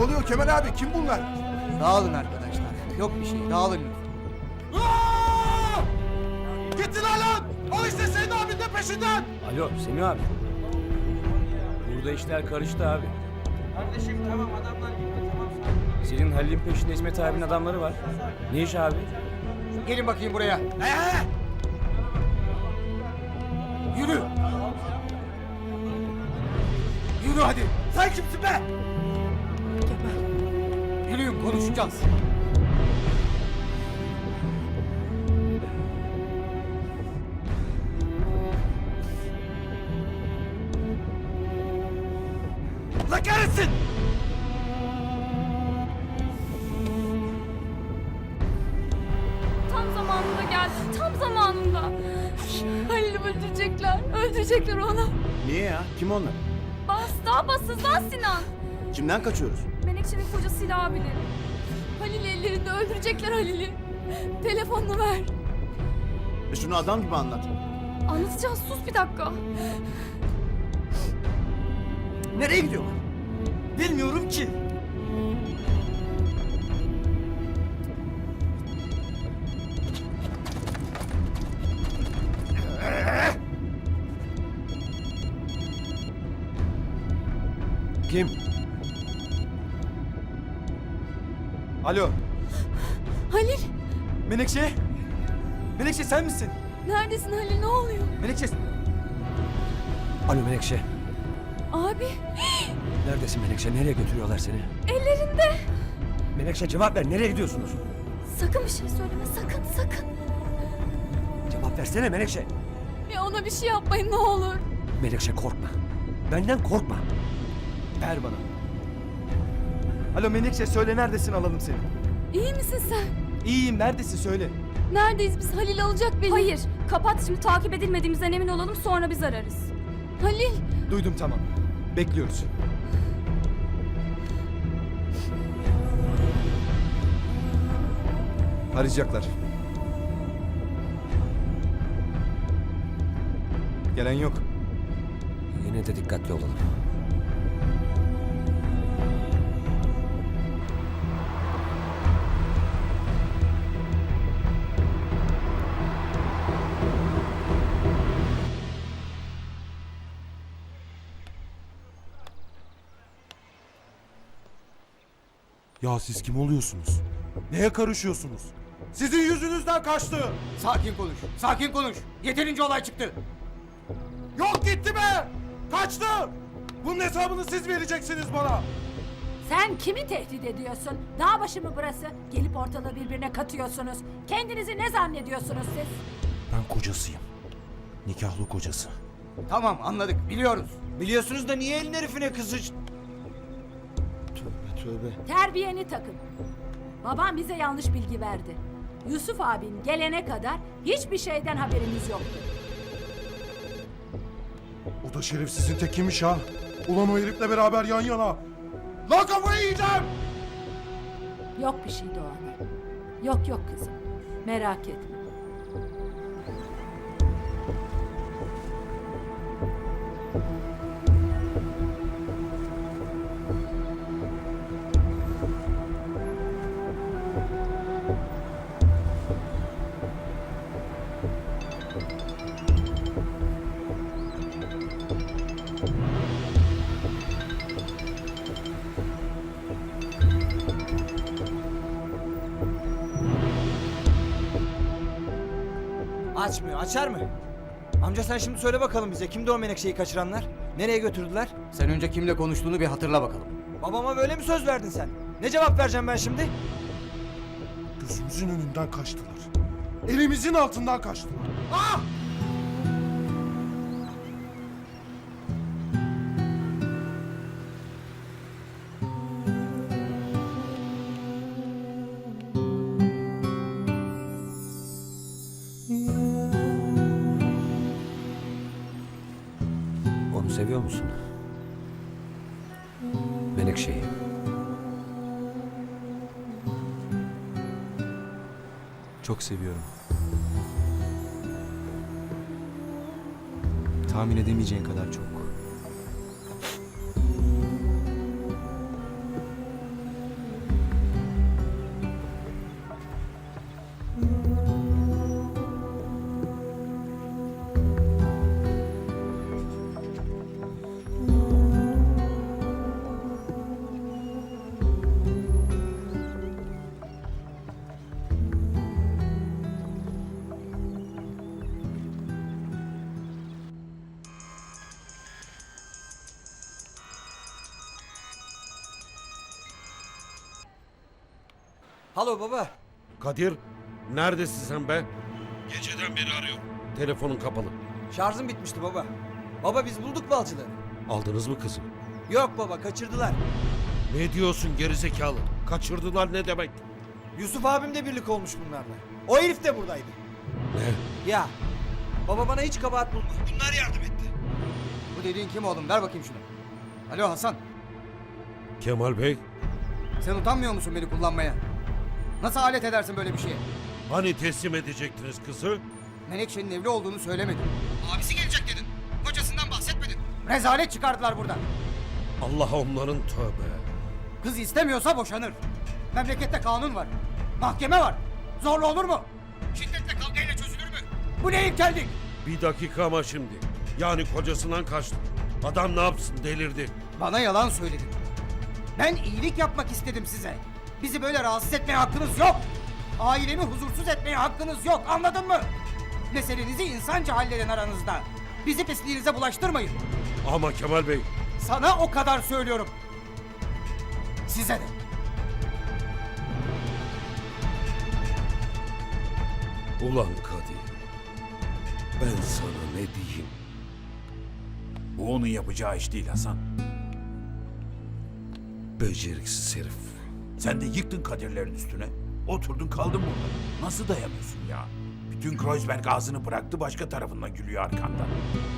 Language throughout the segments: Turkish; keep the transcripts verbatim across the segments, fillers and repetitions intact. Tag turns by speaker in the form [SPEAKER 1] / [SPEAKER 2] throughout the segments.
[SPEAKER 1] oluyor Kemal abi? Kim bunlar?
[SPEAKER 2] Dağılın arkadaşlar. Yok bir şey. Dağılın.
[SPEAKER 1] Aa! Gittiler lan! Al işte Seyit abinin de peşinden!
[SPEAKER 3] Alo Semih abi. Burada işler karıştı abi.
[SPEAKER 4] Kardeşim tamam adamlar gitti tamam sakin.
[SPEAKER 3] Senin Halil'in peşinde İsmet abinin adamları var. Ne iş abi?
[SPEAKER 2] Gelin bakayım buraya.
[SPEAKER 1] Ee?
[SPEAKER 2] Yürü. Yürü hadi.
[SPEAKER 1] Sen kimsin be?
[SPEAKER 2] Yürüyün konuşacağız.
[SPEAKER 1] La kahretsin!
[SPEAKER 5] Tam zamanında geldi, tam zamanında. Halil'i öldürecekler, öldürecekler onu.
[SPEAKER 6] Niye ya? Kim onlar?
[SPEAKER 5] Bas, daha bas, hızlan Sinan.
[SPEAKER 6] Kimden kaçıyoruz?
[SPEAKER 5] Menekşe'nin kocasıyla abileri. Halil ellerinde öldürecekler Halil'i. Telefonunu ver.
[SPEAKER 6] E şunu adam gibi anlat.
[SPEAKER 5] Anlatacağız, sus bir dakika.
[SPEAKER 1] Nereye gidiyorlar? Bilmiyorum ki.
[SPEAKER 6] Kim?
[SPEAKER 1] Alo,
[SPEAKER 5] Halil,
[SPEAKER 1] Menekşe? Menekşe sen misin?
[SPEAKER 5] neredesin Halil, ne oluyor?
[SPEAKER 1] Menekşe...
[SPEAKER 7] Alo Menekşe.
[SPEAKER 5] Abi,
[SPEAKER 7] Neredesin Menekşe? Nereye götürüyorlar seni?
[SPEAKER 5] ellerinde.
[SPEAKER 7] Menekşe cevap ver. Nereye gidiyorsunuz?
[SPEAKER 5] Sakın bir şey söyleme, sakın, sakın.
[SPEAKER 7] Cevap versene Menekşe.
[SPEAKER 5] Ya ona bir şey yapmayın ne olur.
[SPEAKER 7] Menekşe korkma. Benden korkma.
[SPEAKER 1] Ver bana. Alo Menekşe söyle neredesin alalım seni.
[SPEAKER 5] İyi misin sen?
[SPEAKER 1] İyiyim neredesin söyle.
[SPEAKER 5] Neredeyiz biz? Halil alacak beni. Hayır, kapat şimdi takip edilmediğimizden emin olalım sonra biz ararız. Halil!
[SPEAKER 1] Duydum tamam. Bekliyoruz. Arayacaklar. Gelen yok.
[SPEAKER 7] Yine de dikkatli olalım.
[SPEAKER 8] Ya siz kim oluyorsunuz? Neye karışıyorsunuz? Sizin yüzünüzden kaçtı.
[SPEAKER 2] Sakin konuş. Sakin konuş. Yeterince olay çıktı.
[SPEAKER 8] Yok gitti be. Kaçtı. Bunun hesabını siz vereceksiniz bana.
[SPEAKER 9] Sen kimi tehdit ediyorsun? Dağ başı mı burası? Gelip ortalığı birbirine katıyorsunuz. Kendinizi ne zannediyorsunuz siz?
[SPEAKER 8] Ben kocasıyım. Nikahlı kocası.
[SPEAKER 2] Tamam anladık. Biliyoruz.
[SPEAKER 4] Biliyorsunuz da niye elin herifine kızı...
[SPEAKER 8] Tövbe tövbe.
[SPEAKER 9] Terbiyeni takın. Babam bize yanlış bilgi verdi. Yusuf abin gelene kadar hiçbir şeyden haberimiz yoktu.
[SPEAKER 8] O da şerefsizin tekiymiş ha. Ulan o herifle beraber yan yana. Lan kafayı yiyeceğim.
[SPEAKER 9] Yok bir şey Doğan. Yok yok kızım. Merak etme.
[SPEAKER 4] Açmıyor, açar mı? Amca sen şimdi söyle bakalım bize kimdi o Menekşe'yi kaçıranlar? Nereye götürdüler?
[SPEAKER 2] Sen önce kimle konuştuğunu bir hatırla bakalım.
[SPEAKER 4] Babama böyle mi söz verdin sen? Ne cevap vereceğim ben şimdi?
[SPEAKER 8] Gözümüzün önünden kaçtılar. Elimizin altından kaçtılar. Ah!
[SPEAKER 7] Onu seviyor musun? Menekşe'yi.
[SPEAKER 10] Çok seviyorum. Tahmin edemeyeceğin kadar çok.
[SPEAKER 4] Alo baba.
[SPEAKER 11] Kadir, neredesin sen be? Geceden beri arıyorum. Telefonun kapalı.
[SPEAKER 4] Şarjım bitmişti baba. Baba biz bulduk balcıları.
[SPEAKER 11] Aldınız mı kızı?
[SPEAKER 4] Yok baba kaçırdılar.
[SPEAKER 11] Ne diyorsun gerizekalı? Kaçırdılar ne demek?
[SPEAKER 4] Yusuf abim de birlik olmuş bunlarla. O herif de buradaydı.
[SPEAKER 11] Ne?
[SPEAKER 4] Ya. Baba bana hiç kabahat bulmuyor. Bunlar yardım etti.
[SPEAKER 2] Bu dediğin kim oğlum? Ver bakayım şunu. Alo Hasan.
[SPEAKER 11] Kemal Bey,
[SPEAKER 2] Sen utanmıyor musun beni kullanmaya? Nasıl alet edersin böyle bir şeye?
[SPEAKER 11] hani teslim edecektiniz kızı?
[SPEAKER 2] Menekşe'nin evli olduğunu söylemedin. Abisi gelecek dedin. Kocasından bahsetmedin. Rezalet çıkardılar buradan.
[SPEAKER 11] Allah onların tövbe.
[SPEAKER 2] Kız istemiyorsa boşanır. Memlekette kanun var. Mahkeme var. Zorla olur mu? Şiddetle kavgayla çözülür mü? Bu ne ilkellik?
[SPEAKER 11] Bir dakika ama şimdi. Yani kocasından kaçtı. Adam ne yapsın delirdi.
[SPEAKER 2] Bana yalan söyledin. Ben iyilik yapmak istedim size. Bizi böyle rahatsız etmeye hakkınız yok. Ailemi huzursuz etmeye hakkınız yok. Anladın mı? Meselenizi insanca halledin aranızda. Bizi pisliğinize bulaştırmayın.
[SPEAKER 11] Ama Kemal Bey,
[SPEAKER 2] Sana o kadar söylüyorum. Size de.
[SPEAKER 11] ulan Kadir. Ben sana ne diyeyim?
[SPEAKER 1] Bu onun yapacağı iş değil Hasan.
[SPEAKER 11] Beceriksiz herif.
[SPEAKER 1] Sen de yıktın Kadirlerin üstüne. Oturdun kaldın burada. Nasıl dayanıyorsun ya? Bütün Kreuzberg ağzını bıraktı başka tarafından gülüyor arkandan.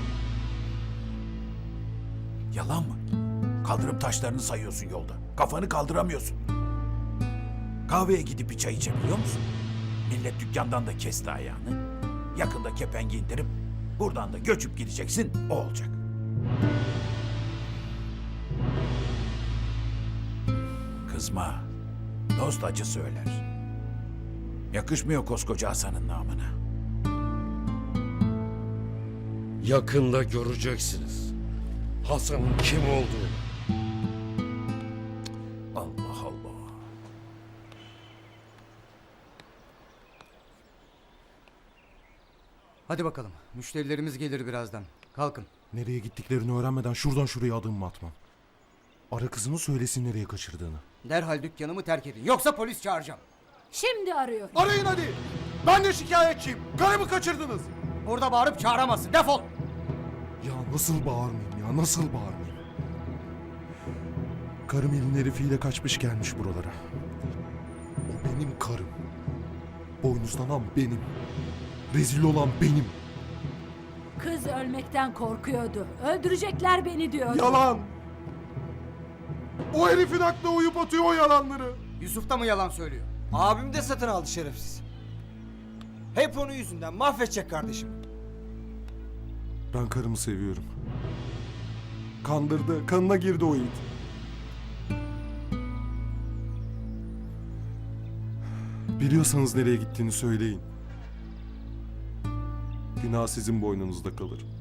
[SPEAKER 1] Yalan mı? Kaldırım taşlarını sayıyorsun yolda. Kafanı kaldıramıyorsun. Kahveye gidip bir çay içebiliyor musun? Millet dükkandan da kesti ayağını. Yakında kepengi indirip buradan da göçüp gideceksin, o olacak. Kızma. Dost acı söyler. Yakışmıyor koskoca Hasan'ın namına.
[SPEAKER 11] Yakında göreceksiniz Hasan'ın kim olduğunu.
[SPEAKER 1] Allah Allah.
[SPEAKER 2] Hadi bakalım. Müşterilerimiz gelir birazdan. Kalkın.
[SPEAKER 8] Nereye gittiklerini öğrenmeden şuradan şuraya adım mı atmam? Ara kızını söylesin nereye kaçırdığını.
[SPEAKER 2] Derhal dükkanımı terk edin. Yoksa polis çağıracağım.
[SPEAKER 9] Şimdi arıyor.
[SPEAKER 8] Arayın hadi. Ben de şikayetçiyim. Karımı kaçırdınız.
[SPEAKER 2] Burada bağırıp çağıramazsın. Defol.
[SPEAKER 8] Ya nasıl bağırmayayım ya nasıl bağırmayayım? Karım elin herifiyle kaçmış gelmiş buralara. O benim karım. Boynuzlanan benim. Rezil olan benim.
[SPEAKER 9] Kız ölmekten korkuyordu. Öldürecekler beni diyordu.
[SPEAKER 8] Yalan. O herifin aklına uyup atıyor o yalanları.
[SPEAKER 2] Yusuf da mı yalan söylüyor?
[SPEAKER 4] Abim de satın aldı şerefsiz. Hep onun yüzünden mahvedecek kardeşim.
[SPEAKER 8] Ben karımı seviyorum. Kandırdı, kanına girdi o it. Biliyorsanız nereye gittiğini söyleyin. Günah sizin boynunuzda kalır.